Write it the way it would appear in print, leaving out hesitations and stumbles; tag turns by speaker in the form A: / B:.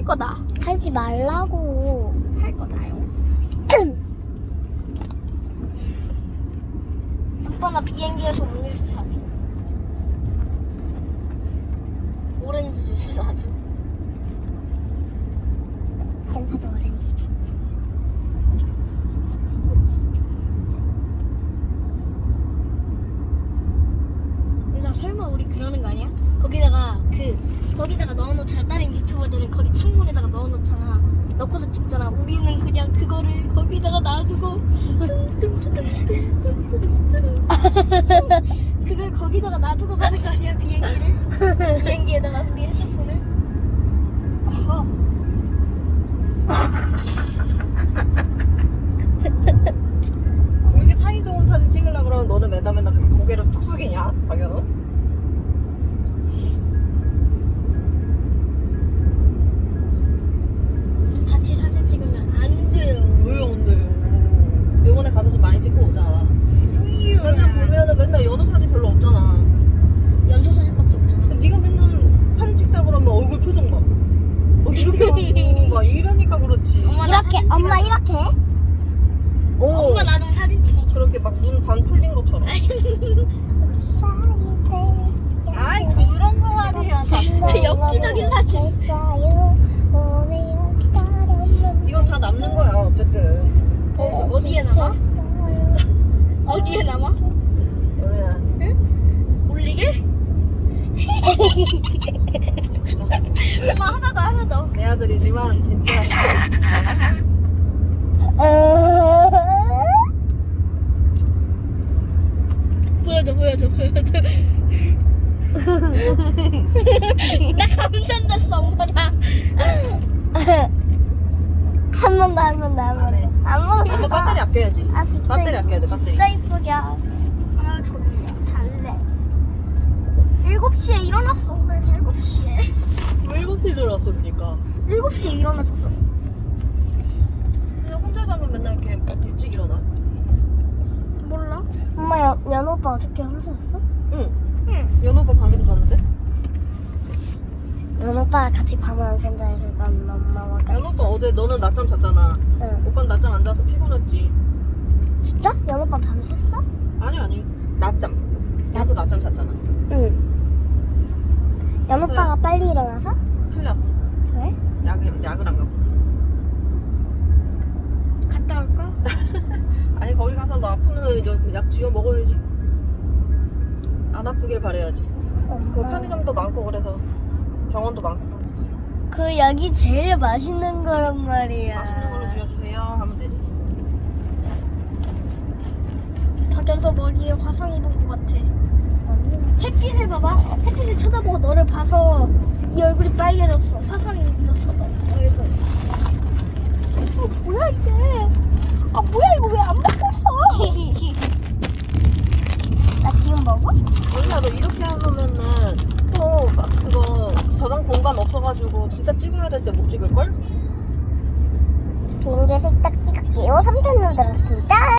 A: 거다.
B: 하지 말라고.
A: 할 거다요. 아빠 나 비행기에서 음료수 사줘. 오렌지 주스 사줘.
B: 펜사도 오렌지 주스.
A: 야, 설마 우리 그러는 거 아니야? 거기다가 넣어놓잖아. 다른 유튜버들은 거기 창문에다가 넣어놓잖아. 넣고서 찍잖아. 우리는 그냥 그거를 거기다가 놔두고 뚱뚱뚱뚱뚱뚱뚱뚱 그걸 거기다가 놔두고 가는 거 아니야? 비행기를? 비행기에다가 우리 핸드폰을? 아하.
C: 왜 이렇게 사이 좋은 사진 찍으려고 그러면 너는 맨날 그렇게 고개를 툭 숙이냐? 박연우?
A: 같이 사진 찍으면 안 돼요.
C: 왜 안 돼요? 요번에 가서 좀 많이 찍고 오자. 맨날 보면은 맨날 연우 사진 별로 없잖아.
A: 연소 사진밖에 없잖아.
C: 네가 맨날 사진 찍자 그러면 얼굴 표정 막 이렇게 하고 막 이러니까 그렇지.
A: 엄마 나
B: 이렇게
A: 사진
B: 엄마
A: 찍어줘.
B: 이렇게.
C: 오,
A: 엄마 나 좀 사진 찍어줘.
C: 그렇게 막 눈 반 풀린 것처럼. 아이 그런 거 말이야.
A: 엽기적인 사진.
C: 이건 다 남는 거야 어쨌든.
A: 어디에 남아? 어디에 남아?
C: 연우야
A: 올리게?
C: 진짜
A: 엄마 하나 더.
C: 내 아들이지만 진짜
A: 보여줘. 나 감산됐어 엄마다.
B: 한 번 더.
C: 안 해.
B: 안
C: 이거 배터리 아껴야지.
B: 아 진짜.
C: 배터리 아껴야 돼 배터리.
B: 진짜 이쁘게.
A: 아 좋네. 잘래. 7시에 일어났어. 오늘 7시에.
C: 왜 이렇게 일어났어 그러니까.
A: 7시에 일어났었어.
C: 그냥 혼자 자면 맨날 이렇게 일찍 일어나.
A: 몰라?
B: 엄마 연우 오빠 어저께 혼자 잤어?
C: 응.
A: 응.
C: 연우 오빠 방에서 잤는데?
B: 연우 오빠랑 같이 밤을 안 샌다 해서 난 엄마와 같이.
C: 연우 오빠 어제 너는 낮잠 잤잖아.
B: 응.
C: 오빠는 낮잠 안 자서 피곤했지.
B: 진짜? 연우 오빠 밤 샜어?
C: 아니. 낮잠. 나도 낮잠 잤잖아.
B: 응. 연우 오빠가 빨리 일어나서?
C: 큰일 났어.
B: 왜?
C: 약을 안 갖고 있어.
A: 갔다 올까?
C: 아니 거기 가서 너 아프면 약 쥐어 먹어야지. 안 아프길 바래야지. 그 편의점도 많고 그래서 병원도 많고.
B: 그 약이 제일 맛있는 거란 말이야.
C: 맛있는 걸로 쥐어주세요 하면 되지.
A: 밖에서 머리에 화상 입은 것 같아. 햇빛을 봐봐. 햇빛을 쳐다보고 너를 봐서 네 얼굴이 빨개졌어. 화상이 입었어 너 얼굴. 뭐야 이게? 뭐야 이거 왜 안 먹고 있어?
B: 나 지금 먹어?
C: 원래 너 이렇게 하면은 또 막 그거 저장 공간 없어가지고 진짜 찍어야 될 때 못 찍을걸?
B: 비행기에서 딱 찍을게요. 3편 들었습니다.